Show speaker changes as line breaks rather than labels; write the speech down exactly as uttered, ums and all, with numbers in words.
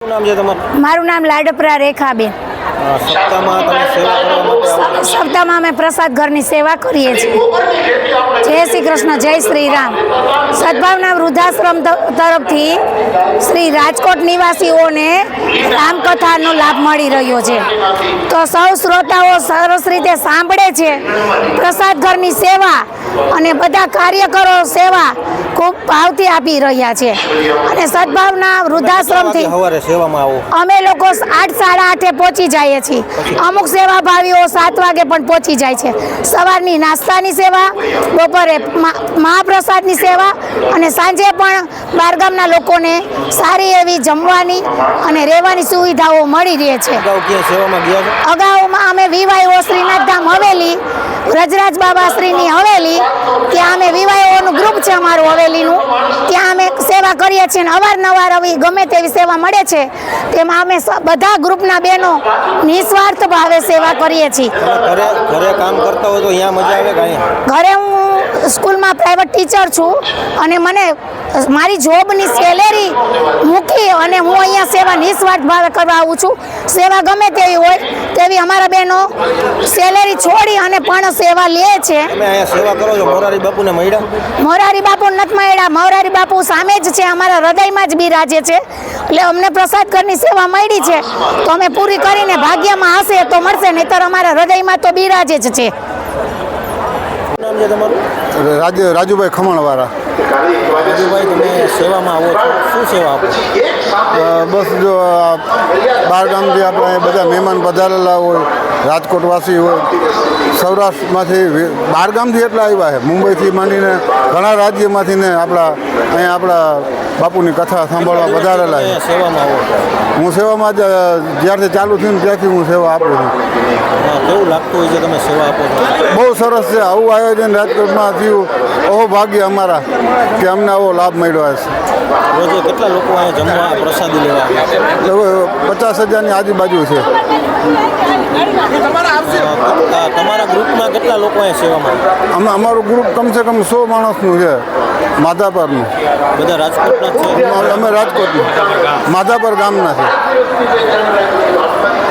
શું નામ છે તમારું?
મારું નામ લાડપરા રેખાબેન.
અ, સપ્તાહમાં તમે સેવા કરવા માટે આવો છો?
સપ્તાહમાં અમે પ્રસાદ ઘરની સેવા કરીએ છીએ. જય શ્રી કૃષ્ણ, જય શ્રી રામ. સદભાવના વૃદ્ધાશ્રમ ત- તરફથી શ્રી રાજકોટ નિવાસીઓને રામકથાનો લાભ મળી રહ્યો છે. તો સૌ શ્રોતાઓ સરસ રીતે સાંભળે છે. પ્રસાદ ઘરની સેવા અને બધા કાર્યકરો સેવા ખૂબ ભાવથી આપી રહ્યા છે. અને સદભાવના વૃદ્ધાશ્રમથી
સવારે સેવામાં આવો.
અમે લોકો આઠ સાડા આઠે પહોંચી જઈએ છીએ. અમુક સેવાભાવીઓ સાત વાગે પણ પહોંચી જાય છે. સવારની નાસ્તાની સેવા, બપોરે મા- મહાપ્રસાદની સેવા અને સાંજે પણ બહારગામના લોકોને સારી એવી જમવાની અને રહેવાની સુવિધાઓ મળી રહે છે.
અગાઉ ક્યાં સેવામાં ગયા છો?
અગાઉમાં અમે વિવાયો શ્રીનાથધામ હવેલી, વ્રજરાજ બાબા શ્રીની હવેલી, ત્યાં અમે વિવાયોનું ગ્રુપ છે અમારું હવેલીનું, ત્યાં અમે સેવા કરીએ છીએ અને અવારનવાર આવી ગમે તેવી સેવા મળે છે તેમાં અમે સ- બધા ગ્રુપના બહેનો નિસ્વાર્થ ભાવે સેવા કરીએ છીએ.
તમે ઘરે ઘરે કામ કરતા હોય તો અહીંયા મજા આવે કે અહીંયા?
ઘરે હું સ્કૂલમાં પ્રાઇવેટ ટીચર છું અને મને મારી જોબની સેલેરી મૂકી અને હું અહીંયા સેવા નિસ્વાર્થ ભાવે કરવા આવું છું. સેવા ગમે તેવી હોય તેવી અમારા બહેનો સેલેરી છોડી અને પણ સેવા લે છે.
તમે અહીંયા સેવા કરો છો, મોરારી બાપુને મળ્યા?
મોરારી બાપુ નથી મળ્યા. મોરારી બાપુ સામે જ છે, અમારા હૃદયમાં જ બિરાજે છે. એટલે અમને પ્રસાદ ઘરની સેવા મળી છે તો અમે પૂરી કરીને ભાગ્યમાં હશે તો મળશે, નહીંતર અમારા હૃદયમાં તો બિરાજે જ છે.
શું નામ છે તમારું?
રાજ રાજુભાઈ ખમણવાળા.
રાજુભાઈ, તમે સેવામાં આવો છો, શું સેવા આપો?
અ, બસ જો આ બાર ગામથી આપણે અહીં બધા મહેમાન પધારેલા હોય, રાજકોટવાસી હોય, સૌરાષ્ટ્રમાંથી વે- બાર ગામથી એટલા આવ્યા છે, મુંબઈથી માંડીને ઘણા રાજ્યમાંથી ને આપણા અહીંયા આપણા બાપુની કથા સાંભળવા પધારેલા છે.
અહીંયા સેવામાં આવો છો.
હું સેવામાં જ જ્યારથી ચાલુ થયું ને ત્યારથી હું સેવા આપું છું.
હા, કેવું લાગતું હોય છે તમે સેવા આપો છો?
બહુ સરસ છે. આવું આયોજન રાજકોટમાં થયું, અહો ભાગ્ય અમારા કે અમને આવો લાભ મળ્યો છે.
રોજે કેટલા લોકો અહીંયા જમવા પ્રસાદી લેવા આવે છે?
લગભગ પચાસ હજારની આજુબાજુ છે.
અ, તમારા ગ્રુપમાં કેટલા લોકો અહીંયા સેવામાં આવે?
અમે અમારું ગ્રુપ કમસે કમ સો માણસનું છે, માધાપરનું.
બધા રાજકોટના જ છે?
અમે રાજકોટનું માધાપર ગામના છે.